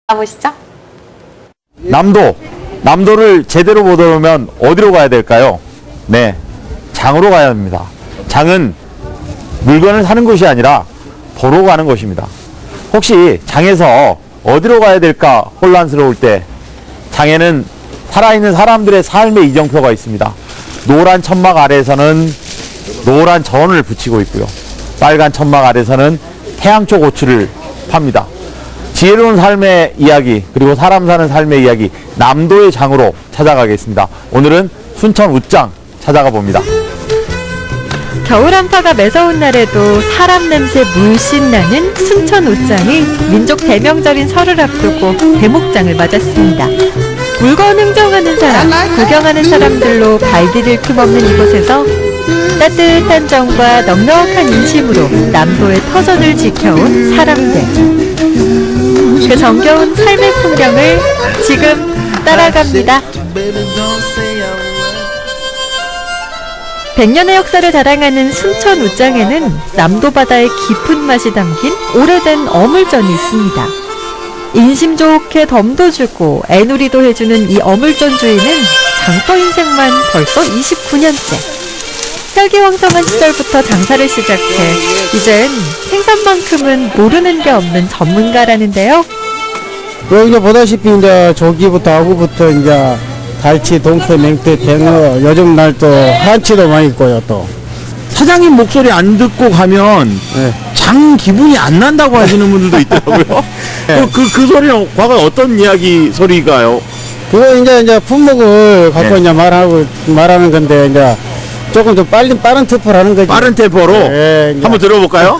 가보시죠. 남도를 제대로 보려면 어디로 가야 될까요? 네, 장으로 가야 합니다. 장은 물건을 사는 곳이 아니라 보러 가는 곳입니다. 혹시 장에서 어디로 가야 될까 혼란스러울 때 장에는 살아있는 사람들의 삶의 이정표가 있습니다. 노란 천막 아래에서는 노란 전을 붙이고 있고요. 빨간 천막 아래에서는 태양초 고추를 팝니다. 지혜로운 삶의 이야기, 그리고 사람 사는 삶의 이야기, 남도의 장으로 찾아가겠습니다. 오늘은 순천 웃장 찾아가 봅니다. 겨울 한파가 매서운 날에도 사람 냄새 물씬 나는 순천 웃장이 민족 대명절인 설을 앞두고 대목장을 맞았습니다. 물건 흥정하는 사람, 구경하는 사람들로 발디딜 틈 없는 이곳에서 따뜻한 정과 넉넉한 인심으로 남도의 터전을 지켜온 사람들. 그 정겨운 삶의 풍경을 지금 따라갑니다. 100년의 역사를 자랑하는 순천 웃장에는 남도 바다의 깊은 맛이 담긴 오래된 어물전이 있습니다. 인심 좋게 덤도 주고 애누리도 해주는 이 어물전 주인은 장터 인생만 벌써 29년째. 혈기왕성한 시절부터 장사를 시작해 이젠 생선만큼은 모르는 게 없는 전문가라는데요. 여기 보다시피 이제 조기부터 아구부터 이제 갈치, 동태, 맹태, 뱅어, 요즘 날 또 한치도 많이 있고요 또. 사장님 목소리 안 듣고 가면 네. 장 기분이 안 난다고 하시는 분들도 있더라고요. 네. 그 소리는 과거 어떤 이야기 소리가요? 그거 이제 품목을 갖고 네. 이제 말하는 건데 이제 조금 더 빠른 템포를 하는 거지. 빠른 템포로 네, 이제. 한번 들어볼까요?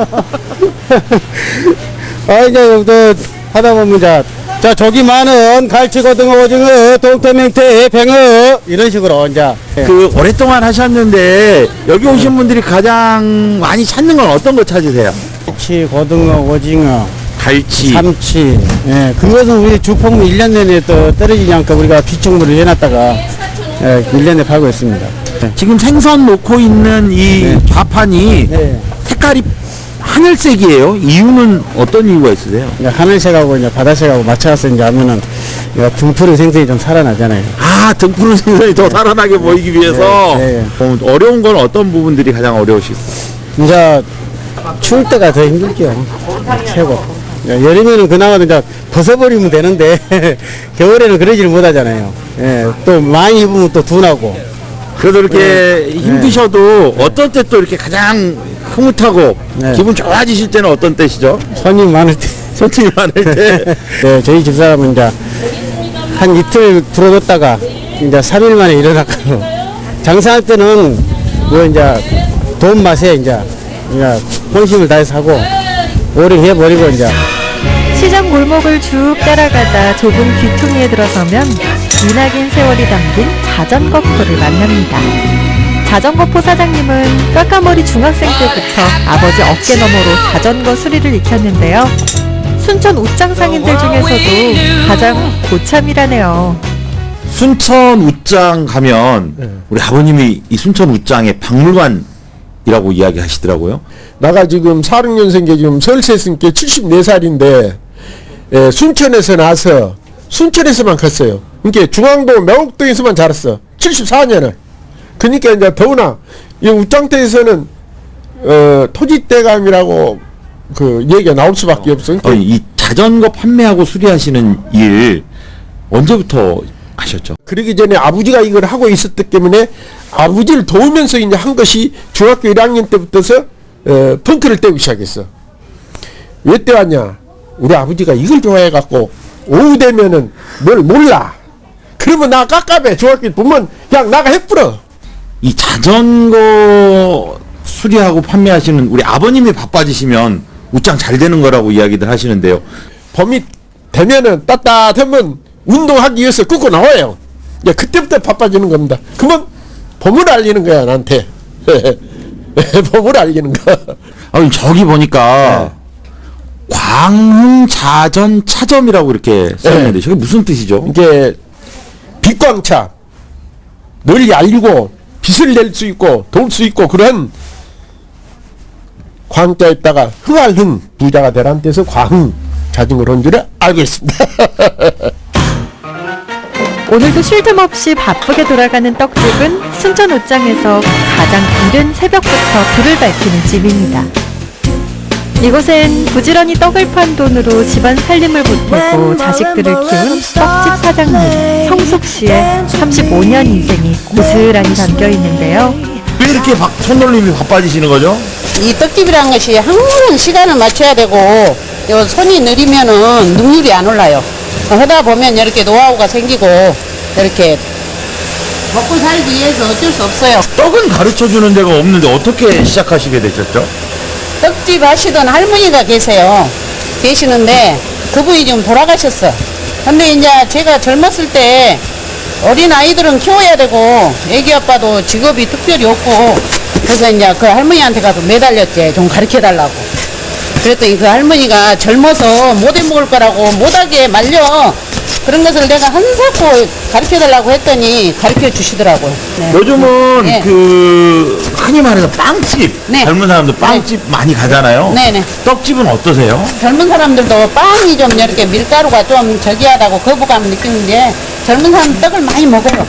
이제 또 하다 보면 자 조기 많은 갈치, 고등어, 오징어, 동태, 맹태, 뱅어 이런 식으로 이제. 그 오랫동안 하셨는데 여기 오신 분들이 가장 많이 찾는 건 어떤 거 찾으세요? 갈치, 고등어, 오징어, 갈치. 삼치. 예, 그것은 우리 주폭 1년 내내 또 떨어지지 않고 우리가 비축물을 해놨다가 1년에 팔고 있습니다. 지금 생선 놓고 있는 이 네. 좌판이 네. 색깔이 하늘색이에요. 이유는 어떤 이유가 있으세요? 이제 하늘색하고 이제 바다색하고 맞춰서 이제 하면은 등푸른 생선이 좀 살아나잖아요. 아, 등푸른 생선이 더 살아나게 보이기 위해서. 네, 어려운 건 어떤 부분들이 가장 어려우시겠어요? 이제 추울 때가 더 힘들죠. 최고. 여름에는 그나마 이제 벗어버리면 되는데 겨울에는 그러지를 못하잖아요. 예, 또 많이 입으면 또 둔하고. 그래도 이렇게 힘드셔도 어떤 때 또 이렇게 가장 흐뭇하고 네. 기분 좋아지실 때는 어떤 때시죠? 손님 많을 때. 손님이 많을 때. 네, 저희 집사람은 이제 한 이틀 불어뒀다가 이제 3일 만에 일어났고 장사할 때는 뭐 이제 돈 맛에 이제 본심을 다해서 하고 오래 해버리고 이제. 시장 골목을 쭉 따라가다 좁은 귀퉁이에 들어서면 기나긴 세월이 담긴 자전거포를 만납니다. 자전거포 사장님은 까까머리 중학생 때부터 아버지 어깨 너머로 자전거 수리를 익혔는데요. 순천 웃장 상인들 중에서도 가장 고참이라네요. 순천 웃장 가면 우리 아버님이 이 순천 웃장의 박물관이라고 이야기하시더라고요. 나가 지금 46년생계 지금 설세승께 74살인데 순천에서 나서 순천에서만 컸어요. 그러니까 중앙동 명옥동에서만 자랐어. 74년을. 그러니까 이제 더구나 이 웃장터에서는 토지대감이라고 그 얘기가 나올 수밖에 없어. 그러니까 이 자전거 판매하고 수리하시는 일 언제부터 하셨죠? 그러기 전에 아버지가 이걸 하고 있었기 때문에 아버지를 도우면서 이제 한 것이 중학교 1학년 때부터서 펑크를 떼기 시작했어. 왜 떼왔냐? 우리 아버지가 이걸 좋아해갖고 오후 되면은 뭘 몰라. 그러면 나 깝깝해. 중학교 보면 그냥 나가 해뿌려. 이 자전거 수리하고 판매하시는 우리 아버님이 바빠지시면 웃장 잘 되는 거라고 이야기들 하시는데요. 봄이 되면은 따뜻하면 운동하기 위해서 끊고 나와요. 이제 그때부터 바빠지는 겁니다. 그러면 봄을 알리는 거야 나한테. 봄을 알리는 거. 저기 보니까 광흥자전 차점이라고 이렇게 써있는데 저게 무슨 뜻이죠? 이게 빛광차 널리 알리고 빛을 낼 수 있고 도울 수 있고 그런 광자에다가 흥할 흥 부자가 되라는 뜻에서 광흥 자전거로 온 줄을 알고 있습니다. 오늘도 쉴 틈 없이 바쁘게 돌아가는 떡집은 순천 옷장에서 가장 이른 새벽부터 불을 밝히는 집입니다. 이곳엔 부지런히 떡을 판 돈으로 집안 살림을 보태고 자식들을 키운 떡집 사장님 성숙 씨의 35년 인생이 고스란히 담겨 있는데요. 왜 이렇게 손놀림이 바빠지시는 거죠? 이 떡집이라는 것이 항상 시간을 맞춰야 되고 요 손이 느리면은 능률이 안 올라요. 하다 보면 이렇게 노하우가 생기고 이렇게 먹고 살기 위해서 어쩔 수 없어요. 떡은 가르쳐 주는 데가 없는데 어떻게 시작하시게 되셨죠? 떡집 하시던 할머니가 계시는데 그분이 지금 돌아가셨어. 근데 이제 제가 젊었을 때 어린 아이들은 키워야 되고 애기 아빠도 직업이 특별히 없고 그래서 이제 그 할머니한테 가서 매달렸지. 좀 가르쳐 달라고. 그랬더니 그 할머니가 젊어서 못 해먹을 거라고 못하게 말려. 그런 것을 내가 한사코 가르쳐 달라고 했더니 가르쳐 주시더라고요. 네. 요즘은 네. 그 흔히 말해서 빵집 네. 젊은 사람들 빵집 많이 가잖아요. 네네. 떡집은 어떠세요? 젊은 사람들도 빵이 좀 이렇게 밀가루가 좀 저기하다고 거부감을 느끼는데 젊은 사람 떡을 많이 먹어요.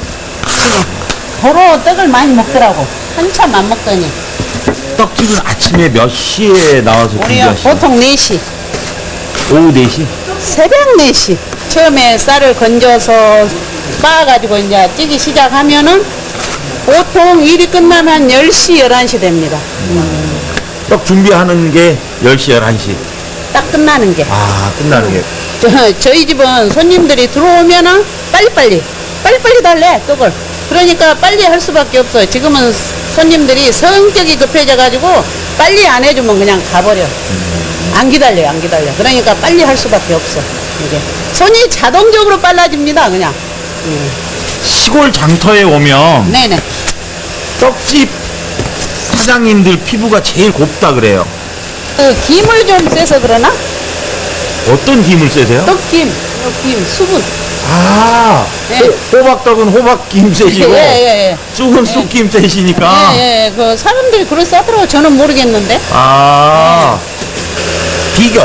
도로 떡을 많이 먹더라고. 한참 안 먹더니. 떡집은 아침에 몇 시에 나와서 우리요 준비하시나요? 보통 4시. 오후 4시? 새벽 4시. 처음에 쌀을 건져서 빻아가지고 이제 찌기 시작하면은 보통 일이 끝나면 10시, 11시 됩니다. 떡 준비하는 게 10시, 11시. 딱 끝나는 게. 아, 끝나는 게. 저희 집은 손님들이 들어오면은 빨리빨리 달래 떡을. 그러니까 빨리 할 수밖에 없어요. 지금은 손님들이 성격이 급해져가지고 빨리 안 해주면 그냥 가버려. 안 기다려요. 그러니까 빨리 할 수밖에 없어. 이게 손이 자동적으로 빨라집니다. 그냥. 시골 장터에 오면 네네. 떡집 사장님들 피부가 제일 곱다 그래요. 그 김을 좀 쎄서 그러나? 어떤 김을 쓰세요? 떡김, 김, 수분. 아, 네. 호박떡은 호박김 세시고 예. 쑥은 쑥김 세시니까. 예. 그 사람들이 그걸 써더라고. 저는 모르겠는데. 아, 비결.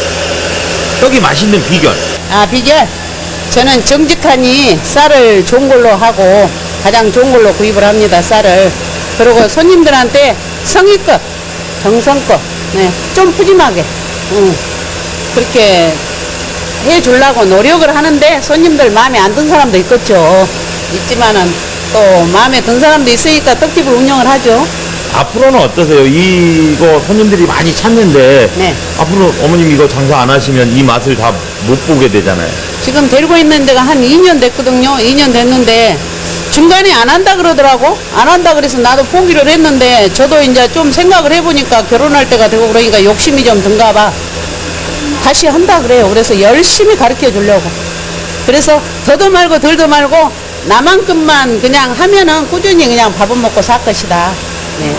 떡이 맛있는 비결. 아, 비결. 저는 정직하니 쌀을 좋은 걸로 하고 가장 좋은 걸로 구입을 합니다. 쌀을. 그리고 손님들한테 성의껏, 정성껏, 네, 좀 푸짐하게, 그렇게 해주려고 노력을 하는데 손님들 마음에 안 든 사람도 있겠죠. 있지만은 또 마음에 든 사람도 있으니까 떡집을 운영을 하죠. 앞으로는 어떠세요? 이거 손님들이 많이 찾는데 네. 앞으로 어머님 이거 장사 안 하시면 이 맛을 다 못 보게 되잖아요. 지금 데리고 있는 데가 한 2년 됐거든요. 2년 됐는데 중간에 안 한다 그러더라고. 안 한다 그래서 나도 포기를 했는데 저도 이제 좀 생각을 해보니까 결혼할 때가 되고 그러니까 욕심이 좀 든가 봐. 다시 한다 그래요. 그래서 열심히 가르쳐 주려고. 그래서 더도 말고 덜도 말고 나만큼만 그냥 하면은 꾸준히 그냥 밥은 먹고 살 것이다. 네.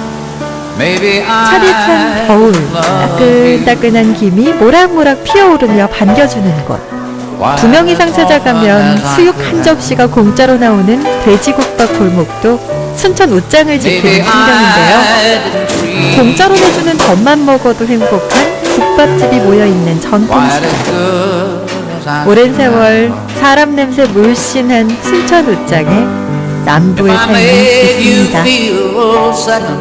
차디찬 겨울 따끈따끈한 김이 모락모락 피어오르며 반겨주는 곳. 2명 이상 찾아가면 수육 한 접시가 공짜로 나오는 돼지국밥 골목도 순천 옷장을 지키는 풍경인데요. 공짜로 내주는 젖만 먹어도 행복한 국밥집이 모여있는 전통시장. 오랜 세월 사람 냄새 물씬한 순천 옷장에 남부의 삶이 있습니다.